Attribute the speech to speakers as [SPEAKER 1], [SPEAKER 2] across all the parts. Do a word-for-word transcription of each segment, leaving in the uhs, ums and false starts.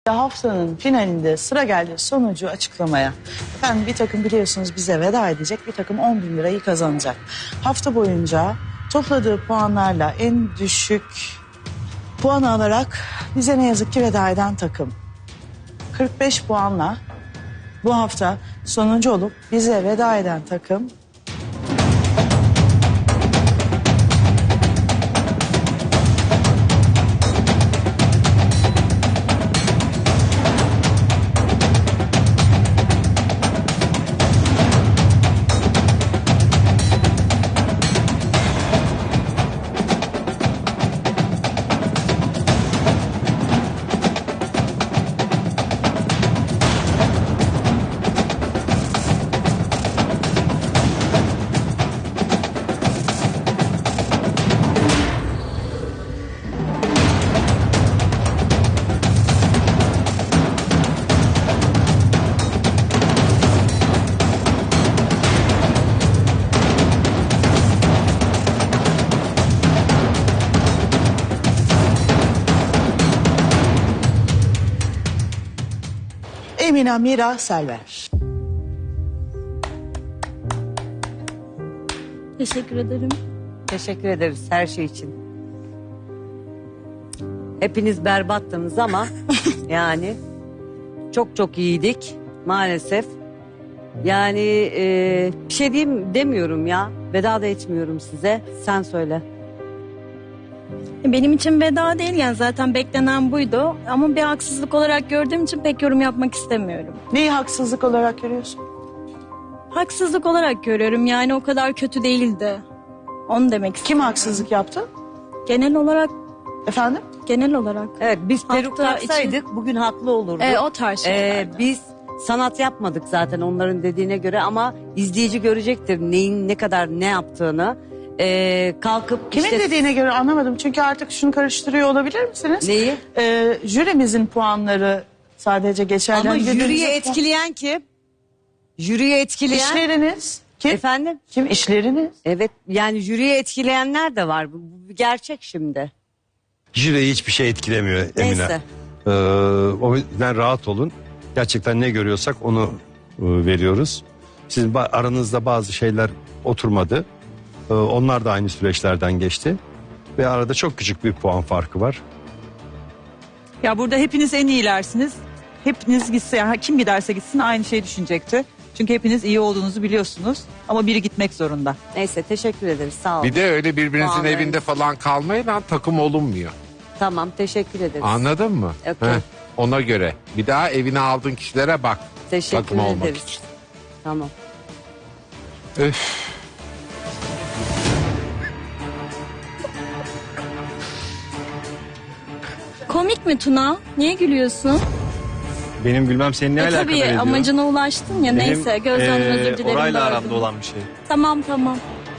[SPEAKER 1] Haftanın finalinde sıra geldi sonucu açıklamaya. Efendim bir takım biliyorsunuz bize veda edecek, bir takım on bin lirayı kazanacak. Hafta boyunca topladığı puanlarla en düşük puan alarak bize ne yazık ki veda eden takım. kırk beş puanla bu hafta sonuncu olup bize veda eden takım. Emine Mira Selver.
[SPEAKER 2] Teşekkür ederim.
[SPEAKER 3] Teşekkür ederiz her şey için. Hepiniz berbattınız ama yani çok çok iyiydik maalesef. Yani e, bir şey diyeyim demiyorum ya. Veda da etmiyorum size. Sen söyle.
[SPEAKER 2] Benim için veda değil, yani zaten beklenen buydu. Ama bir haksızlık olarak gördüğüm için pek yorum yapmak istemiyorum.
[SPEAKER 1] Neyi haksızlık olarak görüyorsun?
[SPEAKER 2] Haksızlık olarak görüyorum, yani o kadar kötü değildi. Onu demek istiyorum.
[SPEAKER 1] Kim haksızlık yaptı?
[SPEAKER 2] Genel olarak,
[SPEAKER 1] Efendim?
[SPEAKER 2] genel olarak.
[SPEAKER 3] Evet, biz peruk
[SPEAKER 2] Hafta
[SPEAKER 3] taksaydık bugün haklı olurduk.
[SPEAKER 2] E, o tarz şeyler.
[SPEAKER 3] Ee, biz sanat yapmadık zaten onların dediğine göre ama izleyici görecektir neyin ne kadar ne yaptığını. Ee, kalkıp
[SPEAKER 1] Kimin
[SPEAKER 3] işte
[SPEAKER 1] dediğine göre anlamadım. Çünkü artık şunu karıştırıyor olabilir misiniz?
[SPEAKER 3] neyi?
[SPEAKER 1] Ee, jürimizin puanları sadece geçerli.
[SPEAKER 3] Ama
[SPEAKER 1] Birbirimize
[SPEAKER 3] jüriye
[SPEAKER 1] puan-
[SPEAKER 3] etkileyen kim? Jüriye etkileyen
[SPEAKER 1] İşleriniz. Kim?
[SPEAKER 3] efendim?
[SPEAKER 1] Kim? İşleriniz.
[SPEAKER 3] Evet, yani jüriye etkileyenler de var. Bu, bu bir gerçek şimdi.
[SPEAKER 4] Jüriyi hiçbir şey etkilemiyor Emine.
[SPEAKER 3] Neyse.
[SPEAKER 4] Ee, o yüzden rahat olun. Gerçekten ne görüyorsak onu e, veriyoruz. Sizin ba- aranızda bazı şeyler oturmadı. Ee, onlar da aynı süreçlerden geçti. Ve arada çok küçük bir puan farkı var.
[SPEAKER 5] Ya burada hepiniz en iyilersiniz. Hepiniz gitse, yani kim giderse gitsin aynı şeyi düşünecekti. Çünkü hepiniz iyi olduğunuzu biliyorsunuz. Ama biri gitmek zorunda.
[SPEAKER 3] Neyse, teşekkür ederiz, sağ olun.
[SPEAKER 6] Bir de öyle birbirinizin
[SPEAKER 3] Vallahi.
[SPEAKER 6] evinde falan kalmayın lan, takım olunmuyor.
[SPEAKER 3] Tamam, teşekkür ederiz.
[SPEAKER 6] Anladın mı?
[SPEAKER 3] Okey.
[SPEAKER 6] Heh, ona göre. Bir daha evine aldığın kişilere bak.
[SPEAKER 3] Teşekkür
[SPEAKER 6] takım olmak
[SPEAKER 3] ederiz.
[SPEAKER 6] için.
[SPEAKER 3] Tamam.
[SPEAKER 6] Öf.
[SPEAKER 2] Komik mi Tuna? Niye gülüyorsun?
[SPEAKER 7] Benim gülmem senin ne
[SPEAKER 2] E,
[SPEAKER 7] alakadar
[SPEAKER 2] tabii
[SPEAKER 7] ediyor?
[SPEAKER 2] amacına ulaştın ya.
[SPEAKER 7] Benim,
[SPEAKER 2] Neyse, gözden
[SPEAKER 7] eee,
[SPEAKER 2] özür dilerim.
[SPEAKER 7] Orayla
[SPEAKER 2] böldüm.
[SPEAKER 7] aramda olan bir şey.
[SPEAKER 2] Tamam tamam.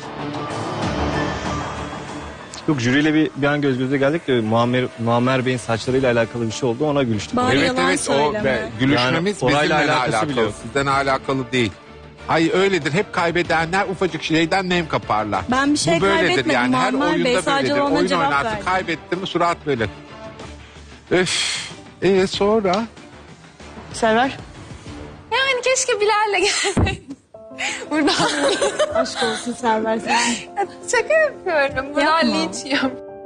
[SPEAKER 7] Yok, jüriyle bir, bir an göz göze geldik de Muammer, Muammer Bey'in saçlarıyla alakalı bir şey oldu, ona gülüştük.
[SPEAKER 2] Bari
[SPEAKER 6] Evet
[SPEAKER 2] yalan
[SPEAKER 6] evet o
[SPEAKER 2] söyleme.
[SPEAKER 6] be, gülüşmemiz
[SPEAKER 7] Yani orayla
[SPEAKER 6] bizimle
[SPEAKER 7] alakası
[SPEAKER 6] alakalı.
[SPEAKER 7] bile yok.
[SPEAKER 6] Sizden alakalı değil. Hayır öyledir. Hep kaybedenler ufacık şeyden nem kaparlar.
[SPEAKER 2] Ben bir şey
[SPEAKER 6] Bu böyledir
[SPEAKER 2] kaybetmedim
[SPEAKER 6] yani. Her
[SPEAKER 2] Muammer
[SPEAKER 6] oyunda
[SPEAKER 2] Bey, sadece
[SPEAKER 6] böyledir.
[SPEAKER 2] ona
[SPEAKER 6] Oyun
[SPEAKER 2] cevap
[SPEAKER 6] oynarsın,
[SPEAKER 2] verdim.
[SPEAKER 6] kaybettin mi surat böyle. Öf. Ee sonra?
[SPEAKER 1] Selver.
[SPEAKER 8] Yani keşke Bilal'le gelseydin. Buradan
[SPEAKER 2] Aşk olsun Server sen.
[SPEAKER 8] şaka yapıyorum. Buradan
[SPEAKER 2] Yapma.
[SPEAKER 8] linç yiyorum.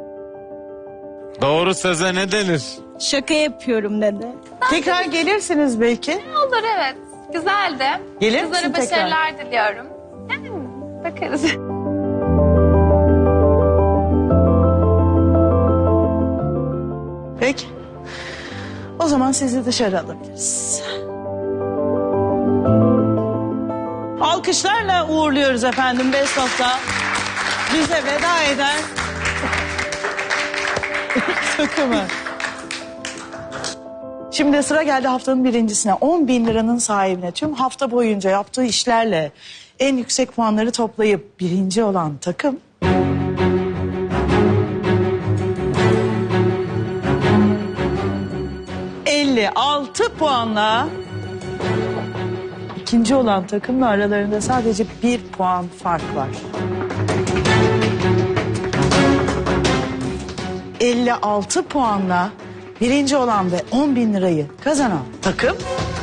[SPEAKER 9] Doğru söze ne denir?
[SPEAKER 2] Şaka yapıyorum dedi.
[SPEAKER 1] Tekrar gelirsiniz belki.
[SPEAKER 8] Olur evet. Güzeldi.
[SPEAKER 1] Gelir
[SPEAKER 8] Kızlara
[SPEAKER 1] misin tekrar?
[SPEAKER 8] başarılar diliyorum. Yani bakarız.
[SPEAKER 1] Peki. O zaman sizi dışarı alabiliriz. Alkışlarla uğurluyoruz efendim Best of'ta. Bize veda eden takımı. Şimdi sıra geldi haftanın birincisine. on bin liranın sahibine. Tüm hafta boyunca yaptığı işlerle en yüksek puanları toplayıp birinci olan takım. elli altı puanla ikinci olan takımla aralarında sadece bir puan fark var. elli altı puanla birinci olan ve on bin lirayı kazanan takım...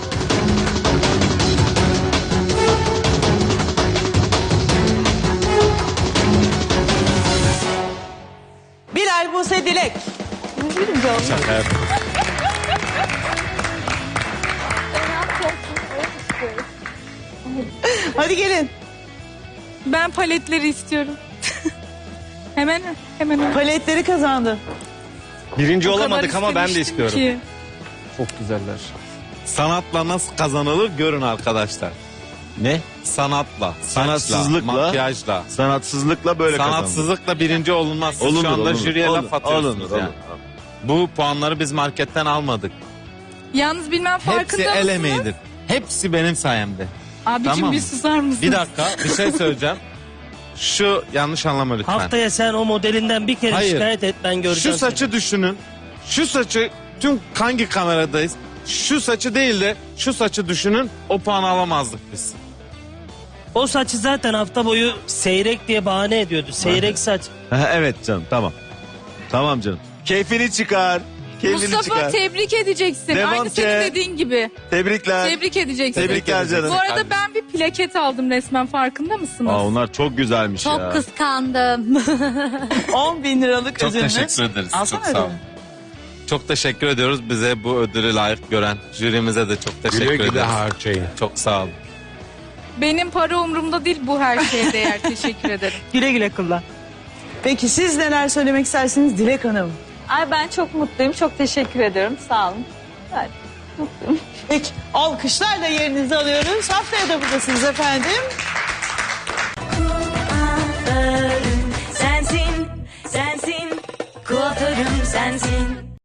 [SPEAKER 1] Bilal, Buse, Dilek. Hadi gelin.
[SPEAKER 9] Ben paletleri istiyorum. hemen hemen.
[SPEAKER 1] Paletleri kazandı.
[SPEAKER 7] Birinci
[SPEAKER 9] O kadar
[SPEAKER 7] olamadık ama ben de
[SPEAKER 9] istemiştim
[SPEAKER 7] istiyorum.
[SPEAKER 9] ki.
[SPEAKER 7] Çok güzeller.
[SPEAKER 10] Sanatla nasıl kazanılır görün arkadaşlar.
[SPEAKER 11] Ne?
[SPEAKER 10] Sanatla, saçla,
[SPEAKER 11] Sanatsızlıkla,
[SPEAKER 10] makyajla.
[SPEAKER 11] Sanatsızlıkla böyle kazandı.
[SPEAKER 10] Sanatsızlıkla birinci olunmaz. Siz
[SPEAKER 11] Olunur,
[SPEAKER 10] şu anda
[SPEAKER 11] olunur,
[SPEAKER 10] jüriye
[SPEAKER 11] olunur,
[SPEAKER 10] laf atıyorsunuz
[SPEAKER 11] olunur,
[SPEAKER 10] yani.
[SPEAKER 11] olunur.
[SPEAKER 10] Bu puanları biz marketten almadık.
[SPEAKER 9] Yalnız bilmem
[SPEAKER 10] Hepsi
[SPEAKER 9] farkında
[SPEAKER 10] el
[SPEAKER 9] mısınız?
[SPEAKER 10] emeğidir. Hepsi benim sayemde.
[SPEAKER 9] Abicim
[SPEAKER 10] Tamam
[SPEAKER 9] bir
[SPEAKER 10] mı?
[SPEAKER 9] susar mısın?
[SPEAKER 10] Bir dakika bir şey söyleyeceğim. Şu yanlış anlama lütfen.
[SPEAKER 12] Haftaya sen o modelinden bir kere
[SPEAKER 10] Hayır.
[SPEAKER 12] şikayet et, ben göreceğim.
[SPEAKER 10] Şu saçı düşünün. Şu saçı tüm hangi kameradayız? Şu saçı değil de şu saçı düşünün. O puanı alamazdık biz.
[SPEAKER 12] seni. O saçı zaten hafta boyu seyrek diye bahane ediyordu. Seyrek saç.
[SPEAKER 11] Evet canım, tamam. Tamam canım. Keyfini çıkar. Keyfini
[SPEAKER 9] Mustafa
[SPEAKER 11] çıkar.
[SPEAKER 9] tebrik edeceksin.
[SPEAKER 11] Devam
[SPEAKER 9] Aynı
[SPEAKER 11] ki.
[SPEAKER 9] senin dediğin gibi.
[SPEAKER 11] Tebrikler.
[SPEAKER 9] Tebrik edeceksin.
[SPEAKER 11] Tebrikler canım.
[SPEAKER 9] Bu arada ben bir plaket aldım resmen, farkında mısınız?
[SPEAKER 11] Aa, onlar çok güzelmiş ya.
[SPEAKER 2] Çok kıskandım.
[SPEAKER 1] on bin liralık
[SPEAKER 10] Çok
[SPEAKER 1] ödülünüz.
[SPEAKER 10] teşekkür ederiz.
[SPEAKER 1] Alsana
[SPEAKER 10] çok sağ olun.
[SPEAKER 1] ödülünü.
[SPEAKER 10] Çok teşekkür ediyoruz bize bu ödülü layık gören jürimize de çok teşekkür
[SPEAKER 6] Güle güle
[SPEAKER 10] ederiz.
[SPEAKER 6] harcayın.
[SPEAKER 10] Çok sağ olun.
[SPEAKER 9] Benim para umurumda değil, bu her şeye değer. Teşekkür ederim.
[SPEAKER 5] Güle güle kullan.
[SPEAKER 1] Peki siz neler söylemek istersiniz Dilek Hanım?
[SPEAKER 2] Ay ben çok mutluyum. Çok teşekkür ediyorum. Sağ olun.
[SPEAKER 1] Peki alkışlarla yerinizi alıyoruz. Haftaya da buradasınız efendim.
[SPEAKER 2] Sensin, sensin, kuaförüm sensin.